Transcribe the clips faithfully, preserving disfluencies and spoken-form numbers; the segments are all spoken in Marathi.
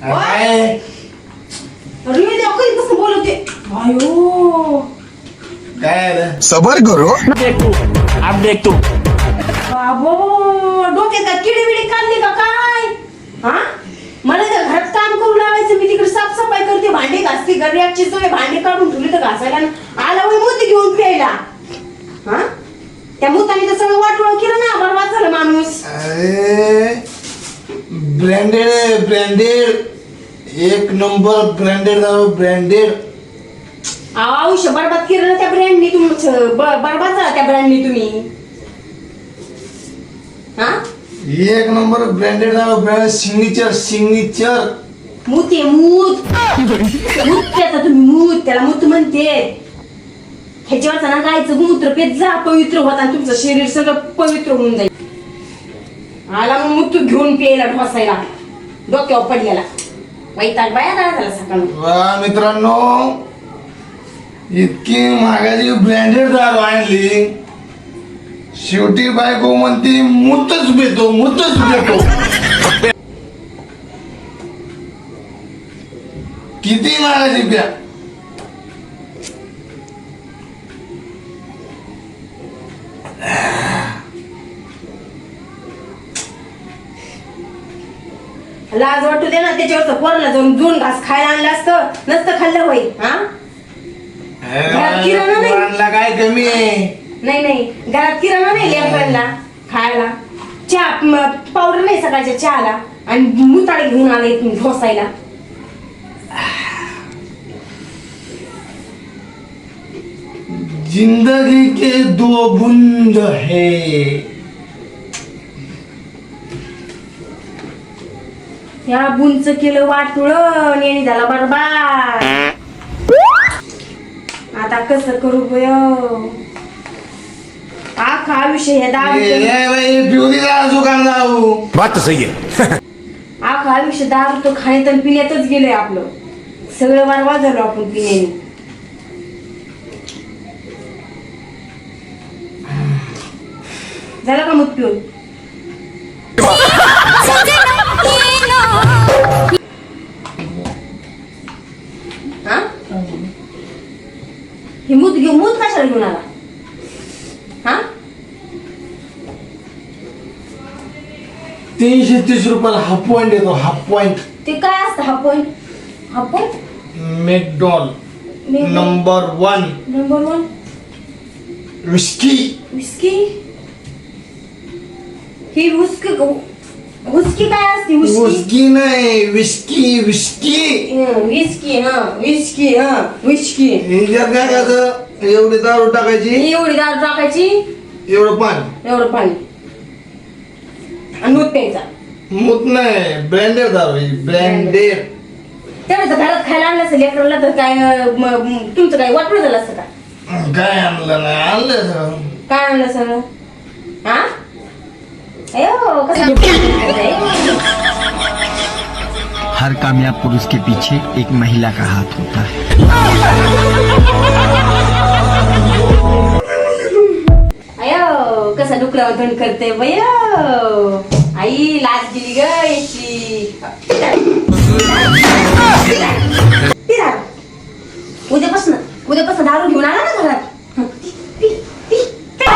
काय अरे देव कधी कसं बोलते आयो काय सबर करो देख तू अब देख तू बाबो डोक्यात का किडी बिडी काढली का काय हा मला तर घरात काम करू लावायचं मी तिकडे साफसफाई करते भांडी घासते गड्याची सगळे भांडी काढून ठेवली तर घासायला आला वय मोती घेऊन प्यायला हा त्या मुताने तर सगळं वाटोळ केलं ना बरबाद झालं माणूस अरे ब्रँडेड ब्रँडेड एक नंबर ब्रँडेड दारू ब्रँडेड आयुष्य बरबाद केलं ना त्या ब्रँडनी तुम्ही बरबाद झाला त्या ब्रँडनी तुम्ही हा एक नंबर ब्रँडेड दारू ब्रँड सिग्नेचर सिग्नेचर मूत आहे मूत मूत त्याचा तुम्ही मूत त्याला मूत म्हणते ह्याच्यावरचा ना गायचं मूत्र पेत जा पवित्र होता आणि तुमचं शरीर सगळं पवित्र होऊन जाईल आला मग मूत घेऊन प्यायला ढोसायला डोक्यावर पडलेला वैताग बाया झाला सकाळी वा मित्रांनो इतकी महागाची ब्रँडेड दारू आणली शेवटी बायको म्हणते मूतच पितो मूतच पितो किती महागाची प्या लाज वाटू दे ना त्याच्यावरच पोराला जाऊन दोन घास खायला आणलं असतं नसतं खाल्लं होय हा घरात किराणा नाही. आणला काय कमी आहे नाही नाही घरात किराणा नाही लेकरांना खायला चहा पावडर नाही सकाळच्या चहाला आणि मुताड घेऊन आला इथून ढोसायला जिंदगी के दो बूंद है या बुंच केलं वाटुळ आणि झाला बरबाद आता कसं करू बय आखा आयुष्य हे दारू दुकान जाऊ बात तो सही है आखा आयुष्य दारू तो खाण्यात आणि पिण्यातच गेलंय आपलं सगळं बरबाद झालो आपण पिण्याने झालं का मग पिऊन हा ही मूत घेऊ मूत कशाला घेऊन आला हा तीनशे तीस रुपयाला हाफ पॉइंट येतो हाफ पॉइंट ते काय असतं हा पॉइंट हा point McDowell's number one number one whisky whisky ही हुस्की हुस्की काय असते हुस्की विस्की नाही विस्की विस्की हं, विस्की हा विस्की हा विस्की हिच्यात काय करायचं एवढी दारू टाकायची एवढी दारू टाकायची एवढं पाणी एवढं पाणी आणि दूध प्यायचा मूत नाही ब्रँडेड दारू ब्रँडेड त्यावेळेस घरात खायला आणलं असेल लेकराला तर काय म- म- तुमचं काय वाटलं झालं असतं का काय आणलं नाही आणलं सगळं. काय आणलं सगळं हा अयो कसं हर कामयाब पुरुष के पीछे एक महिला का हाथ होता है अयो कसा डुकरावर धन करते बय आई लाज गेली ग याची पिरा उद्यापासून उद्यापासून दारू घेऊन आला ना घरात पी, पी, पी.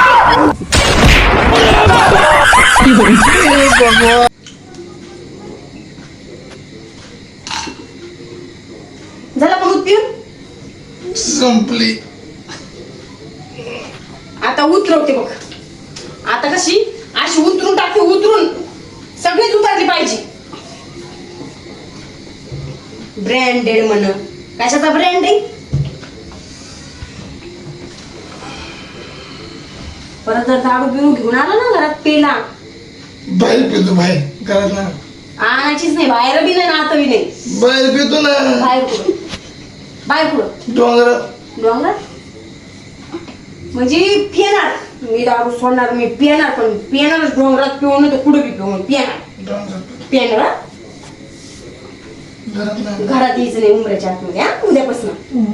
झालं का दूध पिऊन संपली आता उतरवते बघ आता कशी अशी उतरून टाकते उतरून सगळीच उतरली पाहिजे ब्रँडेड म्हण कशाचा ब्रँड आहे परत जर दारू पिऊन घेऊन आला ना घरात पेला बाहेर पितो बाहेर करत ना आणायचीच नाही बाहेर बी नाही नातं बी नाही बाहेर पितो ना बाहेर कुठं बाहेर कुठं डोंगर डोंगर म्हणजे पिणार मी दारू सोडणार मी पिणार पण पिणारच डोंगरात पिऊन तर कुठं बी पिऊन पिणार पिणार हा? घरात यायचं नाही उमऱ्याच्या आतमध्ये हा उद्यापासून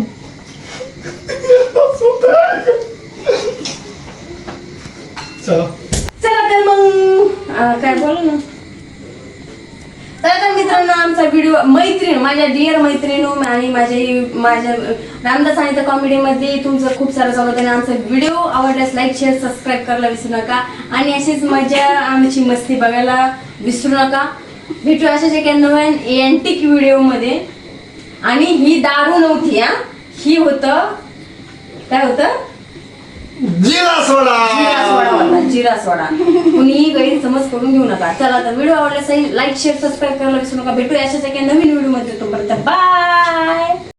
चला चला तर मग अं, काय बोलू ना चला तर मित्र मित्रांनो आमचा व्हिडिओ मैत्रीण माझ्या डिअर मैत्रिणी आणि माझ्या माझ्या रामदास आणि त्या कॉमेडीमध्ये तुमचं खूप सारं स्वागत आहे. आमचा व्हिडिओ आवडल्यास लाईक शेअर सबस्क्राईब करायला विसरू नका आणि अशीच मजा आमची मस्ती बघायला विसरू नका. भेटू अशाच एका नवीन एंटिक व्हिडिओमध्ये. आणि ही दारू नव्हती हा, ही होतं काय होतं जिरा सोडा. जिरा सोडा होता, जिरा सोडा. कुणीही गैरसमज करून घेऊ नका. चला तर व्हिडिओ आवडल्यास लाईक शेअर सबस्क्राईब करायला विसरू नका. भेटू अशाच एका नवीन व्हिडिओ मध्ये. तोपर्यंत बाय.